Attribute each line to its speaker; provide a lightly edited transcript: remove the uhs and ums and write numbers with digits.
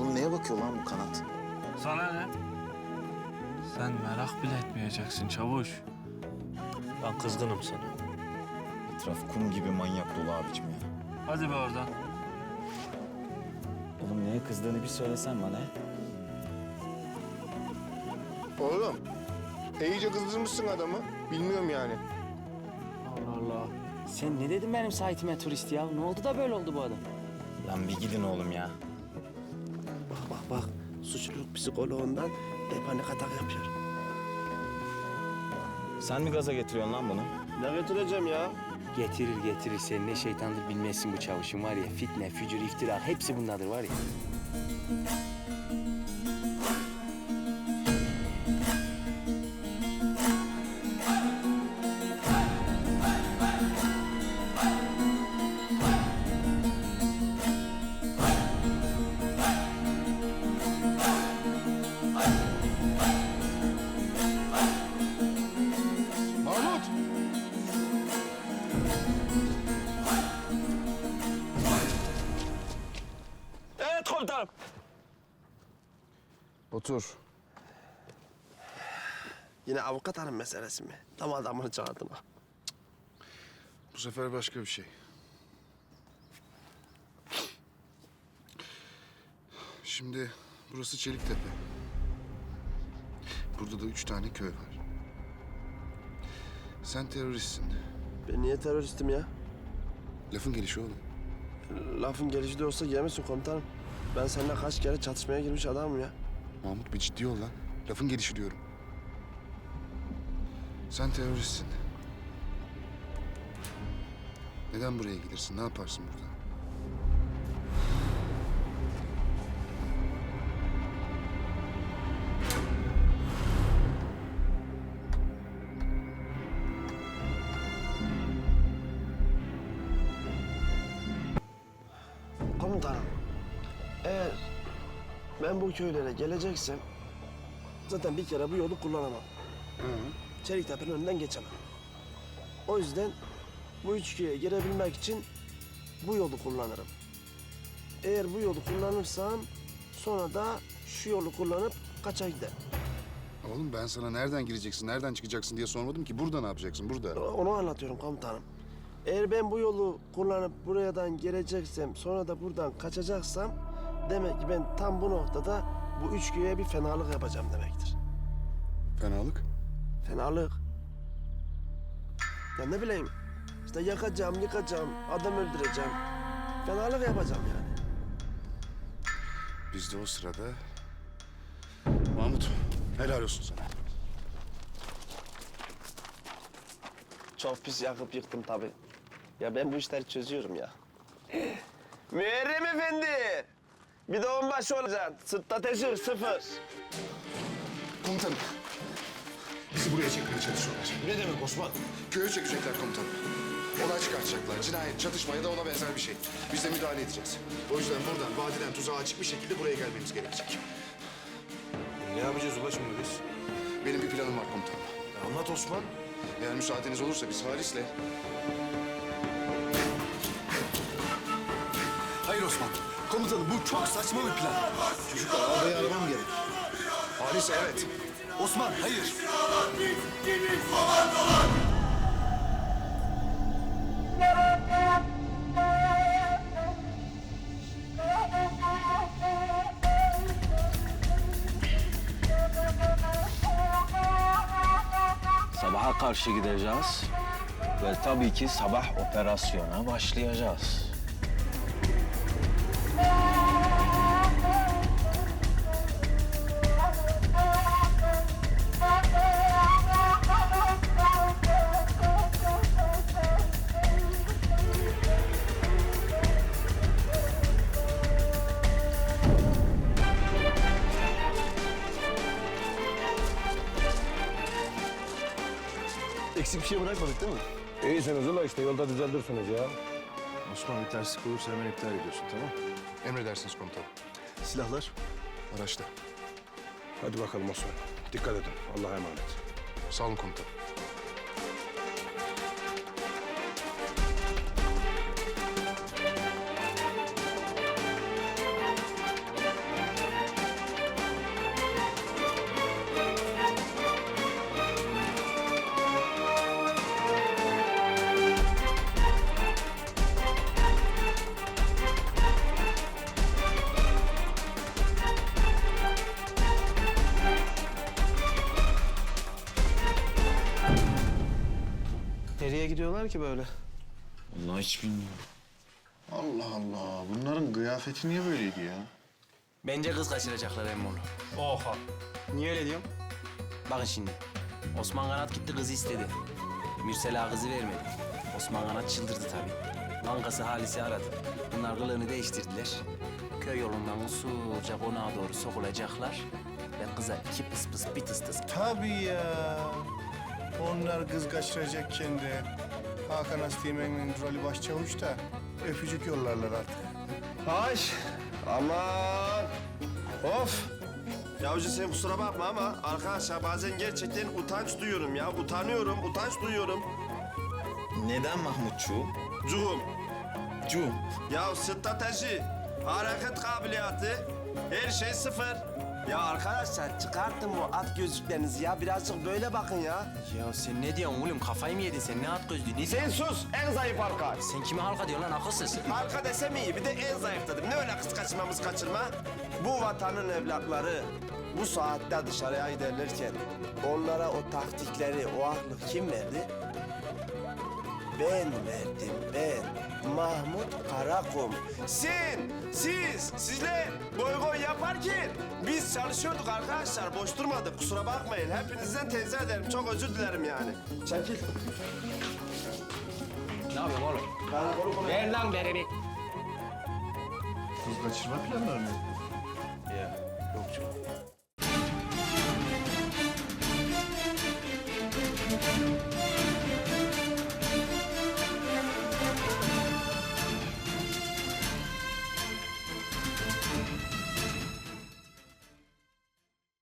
Speaker 1: Oğlum neye bakıyor lan bu kanat?
Speaker 2: Sana ne? Sen merak bile etmeyeceksin çavuş. Ben kızgınım sana.
Speaker 1: Etraf kum gibi manyak dolu abicim ya.
Speaker 2: Hadi be oradan.
Speaker 1: Oğlum neye kızdığını bir söylesen bana.
Speaker 3: Oğlum, iyice kızdırmışsın adamı. Bilmiyorum yani.
Speaker 4: Allah Allah. Sen ne dedin benim sahitime turist ya? Ne oldu da böyle oldu bu adam?
Speaker 1: Lan bir gidin oğlum ya.
Speaker 5: Bak. Suçluluk psikoloğundan panik atak yapıyor.
Speaker 1: Sen mi gaza getiriyorsun lan bunu?
Speaker 5: Ne getireceğim ya?
Speaker 4: Getirir. Sen ne şeytandır bilmezsin bu çavuşun var ya. Fitne, fücur, iftira hepsi bundadır var ya.
Speaker 3: Mahmut!
Speaker 5: Evet komutanım.
Speaker 3: Otur.
Speaker 5: Yine avukat hanım meselesi mi? Tam adamını çağırdım ha.
Speaker 6: Bu sefer başka bir şey. Şimdi burası Çeliktepe. Burada da 3 tane köy var. Sen teröristsin.
Speaker 5: Ben niye teröristim ya?
Speaker 6: Lafın gelişi oğlum.
Speaker 5: Lafın gelişi de olsa yemesin komutanım. Ben seninle kaç kere çatışmaya girmiş adamım ya.
Speaker 6: Mahmut bir ciddi ol lan. Lafın gelişi diyorum. Sen teröristsin. Neden buraya gelirsin? Ne yaparsın burada?
Speaker 5: Komutanım, eğer ben bu köylere geleceksem zaten bir kere bu yolu kullanamam. Çeliktepe'nin önünden geçemem. O yüzden bu üç köye girebilmek için bu yolu kullanırım. Eğer bu yolu kullanırsam sonra da şu yolu kullanıp kaça giderim.
Speaker 6: Oğlum ben sana nereden gireceksin, nereden çıkacaksın diye sormadım ki. Burada ne yapacaksın, burada?
Speaker 5: Onu anlatıyorum komutanım. Eğer ben bu yolu kullanıp buradan geleceksem sonra da buradan kaçacaksam demek ki ben tam bu noktada bu üç köye bir fenalık yapacağım demektir.
Speaker 6: Fenalık.
Speaker 5: Fenalık. Ya ne bileyim işte yakacağım, yıkacağım, adam öldüreceğim. Fenalık yapacağım yani.
Speaker 6: Biz de o sırada... Mahmut, helal olsun sana.
Speaker 5: Çok pis yakıp yıktım tabii. Ya ben bu işleri çözüyorum ya. Müerrem Efendi! Bir de onbaşı olacaksın. Sırtta teşhir 0.
Speaker 6: Komutanım, bizi buraya çekmeye çalışıyorlar.
Speaker 3: Ne demek Osman?
Speaker 6: Köye çekecekler komutanım. Olay çıkartacaklar. Cinayet, çatışma ya da ona benzer bir şey. Biz de müdahale edeceğiz. O yüzden buradan vadiden tuzağa açık bir şekilde buraya gelmemiz gerekecek.
Speaker 3: Ne yapacağız ula şimdi biz?
Speaker 6: Benim bir planım var komutanım.
Speaker 3: Anlat Osman.
Speaker 6: Eğer müsaadeniz olursa biz Halis'le...
Speaker 7: Hayır Osman. Komutanım bu çok saçma bir plan.
Speaker 6: Çocuklar arabayı aramam gerek. Halis evet.
Speaker 7: Osman hayır.
Speaker 4: Sabaha karşı gideceğiz ve tabii ki sabah operasyona başlayacağız.
Speaker 5: Eksik bir şey bırakmadık değil mi?
Speaker 3: İyisiniz ula işte yolda düzeltirsiniz ya.
Speaker 7: Osman bir terslik olursa hemen iptal ediyorsun tamam?
Speaker 6: Emredersiniz komutanım.
Speaker 7: Silahlar?
Speaker 6: Araçta.
Speaker 3: Hadi bakalım Osman. Dikkat edin. Allah'a emanet.
Speaker 6: Sağ olun komutanım.
Speaker 5: gidiyorlar ki böyle?
Speaker 1: Vallahi hiç bilmiyorum.
Speaker 6: Allah Allah. Bunların kıyafeti niye böyleydi ya?
Speaker 8: Bence kız kaçıracaklar emmoğlu.
Speaker 2: Oha.
Speaker 8: Niye öyle diyorum? Bakın şimdi. Osman Kanat gitti kızı istedi. Mürsel Ağa kızı vermedi. Osman Kanat çıldırdı tabii. Kankası Halis'i aradı. Bunlar kılığını değiştirdiler. Köy yolundan usulca konağa doğru sokulacaklar. Ve kıza iki pıs pıs bir tıs tıs.
Speaker 9: Tabii ya. Onlar kız kaçıracakken de Hakan Astiğmen'in rolü başçavuş da öpücük yollarlar artık.
Speaker 5: Ay aman. Of. Yavuzcu sen kusura bakma ama arkadaşlar bazen gerçekten utanç duyuyorum ya. Utanç duyuyorum.
Speaker 1: Neden Mahmutçuğum?
Speaker 5: Cuhum.
Speaker 1: Cum.
Speaker 5: Ya strateji, hareket kabiliyatı, her şey sıfır. Ya arkadaşlar çıkartın bu at gözlüklerinizi ya. Birazcık böyle bakın ya.
Speaker 8: Ya sen ne diyorsun oğlum? Kafayı mı yedin sen? Ne at gözlüğü? Ne
Speaker 5: Sen sus, en zayıf halka.
Speaker 8: Sen kime halka diyorsun lan akılsız?
Speaker 5: Halka desem iyi, bir de en zayıf dedim. Ne öyle kız kaçırma? Bu vatanın evlatları bu saatte dışarıya giderlerken onlara o taktikleri, o aklı kim verdi? Ben verdim, ben. Mahmut Karakum. Sizler boy yaparken biz çalışıyorduk arkadaşlar. Boş durmadık, kusura bakmayın. Hepinizden tenzih ederim, çok özür dilerim yani. Çekil.
Speaker 8: Ne yapıyorsun oğlum?
Speaker 5: Karakolu konuş.
Speaker 8: Ver lan beni bir.
Speaker 6: Kız kaçırma planları mı?